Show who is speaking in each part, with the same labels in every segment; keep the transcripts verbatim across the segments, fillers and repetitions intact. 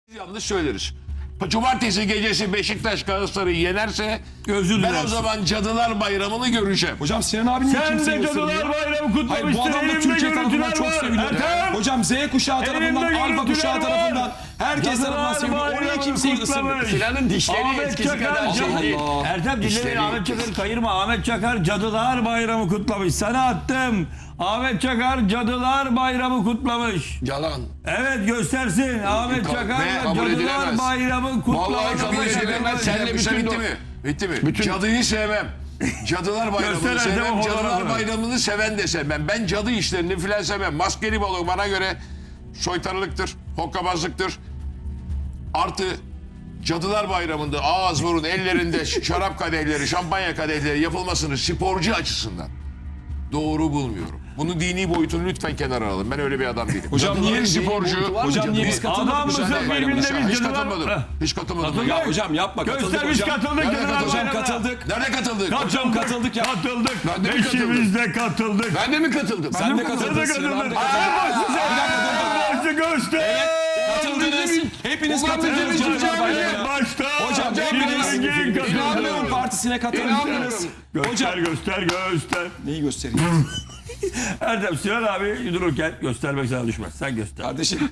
Speaker 1: Yanlış söyleriz. Cumartesi gecesi Beşiktaş Galatasaray'ı yenerse
Speaker 2: Özür
Speaker 1: ben
Speaker 2: dilersin.
Speaker 1: o zaman Cadılar Bayramı'nı göreceğim.
Speaker 3: Hocam Sinan abi niye
Speaker 2: Sen
Speaker 3: kimseyi
Speaker 2: de
Speaker 3: ısırmıyor?
Speaker 2: Cadılar Bayramı
Speaker 3: Hayır bu
Speaker 2: kutlamışsın.
Speaker 3: adam da
Speaker 2: Elimde
Speaker 3: Türkiye tarafından
Speaker 2: görüntüler
Speaker 3: çok
Speaker 2: var.
Speaker 3: seviliyor.
Speaker 2: Ertem.
Speaker 3: Hocam Z kuşağı tarafından,
Speaker 2: Elimde
Speaker 3: Alfa
Speaker 2: görüntüler
Speaker 3: kuşağı
Speaker 2: var.
Speaker 3: tarafından herkes
Speaker 2: Cadılar
Speaker 3: tarafından seviliyor. O niye
Speaker 2: Bayramı'nı
Speaker 3: kimseyi
Speaker 2: kutlamış.
Speaker 3: ısırmıyor?
Speaker 4: Sinan'ın dişleri
Speaker 2: Ahmet
Speaker 4: eskisi
Speaker 2: Çakar,
Speaker 4: kadar şey
Speaker 2: Allah
Speaker 4: değil.
Speaker 3: Allah.
Speaker 2: Ertem dinleyin,
Speaker 4: İşleri-
Speaker 2: Ahmet Çakar'ı kayırma. Ahmet Çakar Cadılar Bayramı kutlamış. Sana attım. Ahmet Çakar Cadılar Bayramı kutlamış.
Speaker 1: Yalan.
Speaker 2: Evet göstersin. Ahmet Çakar
Speaker 1: Ne? Kabul
Speaker 2: Cadılar
Speaker 1: edilemez.
Speaker 2: Bayramı kutlamış.
Speaker 1: Vallahi kabul
Speaker 2: Ahmet Çakar
Speaker 1: edemem.
Speaker 2: Bayramı.
Speaker 1: Senle bütün bitti mi? Bitti mi? Cadıyı sevmem. Cadılar Bayramı'nı
Speaker 2: Göster Ertem
Speaker 1: sevmem.
Speaker 2: o
Speaker 1: Cadılar
Speaker 2: fotoğrafı.
Speaker 1: Bayramı'nı seven de sevmem. Ben cadı işlerini filan sevmem. Maskeli balık bana göre soytarılıktır, hokkabazlıktır. Artı Cadılar Bayramı'nda ağız burun ellerinde şarap kadehleri, şampanya kadehleri yapılmasını sporcu açısından doğru bulmuyorum. Bunu dini boyutunu lütfen kenara alın. Ben öyle bir adam değilim.
Speaker 3: Hocam niye
Speaker 1: Cadıların
Speaker 3: dini
Speaker 1: sporcu?
Speaker 3: boyutu var mı? Hocam niye biz katılmadık?
Speaker 2: Adam
Speaker 3: bu
Speaker 2: mısın
Speaker 3: Cadılar
Speaker 2: birbirine
Speaker 3: Bayramı'na?
Speaker 2: bir
Speaker 1: Hiç
Speaker 2: cadılar...
Speaker 1: katılmadım.
Speaker 2: Heh.
Speaker 1: Hiç katılmadım.
Speaker 2: Katıldık.
Speaker 3: Ya hocam yapma, katıldık
Speaker 2: Göster biz
Speaker 3: hocam.
Speaker 2: katıldık.
Speaker 1: Nerede
Speaker 2: Cadılar
Speaker 1: katıldık?
Speaker 3: Hocam
Speaker 2: Bayramı'na.
Speaker 3: katıldık.
Speaker 1: Nerede katıldık?
Speaker 3: Hocam katıldık ya.
Speaker 2: Katıldık.
Speaker 1: Ben de mi katıldım?
Speaker 2: Beşimiz de katıldık.
Speaker 1: Ben de mi katıldım?
Speaker 3: Sen de
Speaker 2: Sen de
Speaker 3: katıldın. Sinan abi
Speaker 2: katıldık.
Speaker 3: de katıldı.
Speaker 2: Aa, başta göster.
Speaker 3: Katıldınız. Hepiniz
Speaker 1: Ulan bizim
Speaker 3: katıldınız
Speaker 1: için
Speaker 3: Cadılar
Speaker 1: cami.
Speaker 3: Bayramı'na.
Speaker 2: Başta.
Speaker 3: Hocam hepiniz
Speaker 2: Zengin katıldı.
Speaker 3: İnanmıyorum Partisi'ne katıldınız.
Speaker 1: İnanmıyorum.
Speaker 2: Göster
Speaker 3: Hocam
Speaker 2: göster göster.
Speaker 3: neyi göstereyim?
Speaker 2: Erdem Sinan abi dururken göstermek sana düşmez. Sen göster.
Speaker 3: Kardeşim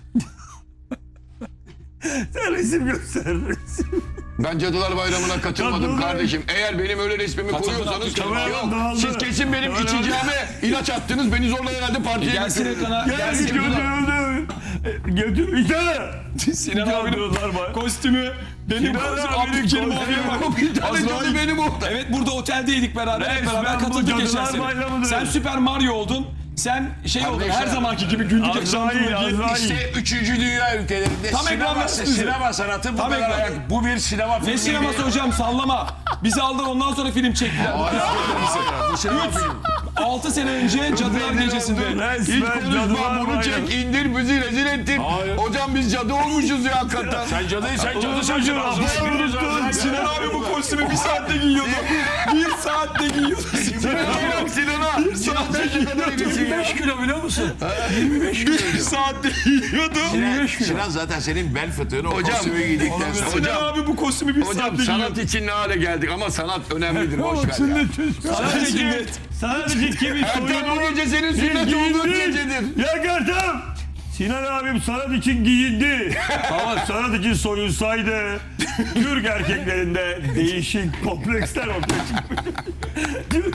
Speaker 2: Sen resim göster. Resim.
Speaker 1: Ben Cadılar Bayramı'na katılmadım
Speaker 2: Katıldım.
Speaker 1: kardeşim. Eğer benim öyle resmimi
Speaker 3: Katıldın
Speaker 1: koyuyorsanız
Speaker 3: artık.
Speaker 1: yok.
Speaker 2: Kameraman
Speaker 1: Siz
Speaker 2: dağıldı.
Speaker 1: kesin benim
Speaker 2: Kameraman-
Speaker 1: içeceğime ilaç attınız. Beni zorla herhalde partiye
Speaker 3: gelsin
Speaker 1: götürdünüz.
Speaker 3: ekrana.
Speaker 2: Gel
Speaker 3: Gelsin
Speaker 2: götür
Speaker 3: ekrana.
Speaker 2: götür. Götür. İşte.
Speaker 3: Sinan abinin
Speaker 2: Cadılar Bayramı.
Speaker 3: kostümü. Benim
Speaker 2: Sinan
Speaker 3: kostümüm.
Speaker 2: abinin
Speaker 3: Abdülkerim
Speaker 2: kostümü.
Speaker 3: abiye bak.
Speaker 1: Bir tane cadı
Speaker 3: Azrail.
Speaker 1: benim orada.
Speaker 3: Evet burada oteldeydik beraber. Hep
Speaker 2: Resmen
Speaker 3: beraber
Speaker 2: bu
Speaker 3: katıldık geçen
Speaker 2: Cadılar
Speaker 3: sene.
Speaker 2: Bayramıdır.
Speaker 3: Sen Süper Mario oldun. Sen şey oldun.
Speaker 1: Kardeşler.
Speaker 3: Her zamanki gibi güldük
Speaker 2: Azrail,
Speaker 3: efsane.
Speaker 2: Azrail.
Speaker 1: İşte üçüncü dünya ülkelerinde
Speaker 3: Tam ekran
Speaker 1: sinema,
Speaker 3: versin bize.
Speaker 1: sinema sanatı bu
Speaker 3: Tam
Speaker 1: kadar
Speaker 3: ekran.
Speaker 1: ayak. Bu bir sinema filmi.
Speaker 3: Ne sineması hocam sallama. Bizi aldılar ondan sonra film çektiler.
Speaker 1: Bu sinema filmi.
Speaker 3: altı sene önce Cadılar Gecesi'nde.
Speaker 1: Hiç
Speaker 2: Resmen
Speaker 1: konuşma
Speaker 2: Cadılar
Speaker 1: bunu
Speaker 2: Bayramı.
Speaker 1: çek indir bizi rezil ettin.
Speaker 2: Hayır.
Speaker 1: Hocam biz cadı olmuşuz ya hakikaten. Sen cadı sen cadı sen
Speaker 2: Çocuğu unuttun.
Speaker 3: Sinan abi bu kostümü bir saatte giyiyordu. bir saatte giyiyordu.
Speaker 1: Sinan'a bak Sinan'a. Sinan sen ne kadar irisin ya.
Speaker 2: yirmi beş kilo biliyor musun?
Speaker 3: bir saatte giyiyordu.
Speaker 1: Sinan, Sinan zaten senin bel fıtığını o kostümü giydikten sonra.
Speaker 3: Sinan abi bu kostümü bir
Speaker 4: Hocam
Speaker 3: saatte
Speaker 4: sanat
Speaker 3: giyiyordu.
Speaker 4: için ne hale geldik ama sanat önemlidir. Boş ver ya.
Speaker 2: Sadece sadece kimin
Speaker 1: Ertem
Speaker 2: soyunu
Speaker 1: bu gece senin sünnet olduğun gecedir.
Speaker 2: Ya Ertem! Sinan abim sanat için giyindi. Ama sanat için soyunsaydı Türk erkeklerinde değişik kompleksler ortaya çıkmış. Türk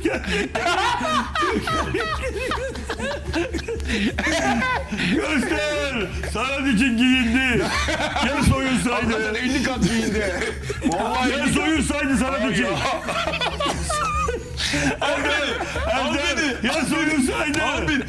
Speaker 2: Göster! Sanat için giyindi. Ya soyunsaydı.
Speaker 1: Hakikaten elli kat giyindi. Vallahi
Speaker 2: Ya
Speaker 1: elli kat.
Speaker 2: soyunsaydı sanat için. Erdem! Erdem! Ya soyunsaydı.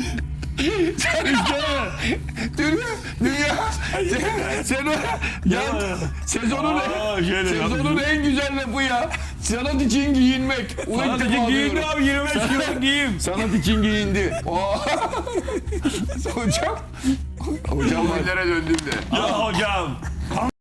Speaker 2: İşte.
Speaker 1: Dünya, dünya sen, sen o, ya, sezonun,
Speaker 2: Aa, şöyle
Speaker 1: sezonun en güzel lafı ya. Sanat için giyinmek. Ulan
Speaker 2: Sanat
Speaker 1: ilk
Speaker 2: için
Speaker 1: defa
Speaker 2: giyindi
Speaker 1: duyuyorum.
Speaker 2: abi yirmi beş kilo giyim.
Speaker 1: Sanat için giyindi. Oo. Hocam. Hocam nerelere döndüm de.
Speaker 2: Aa hocam.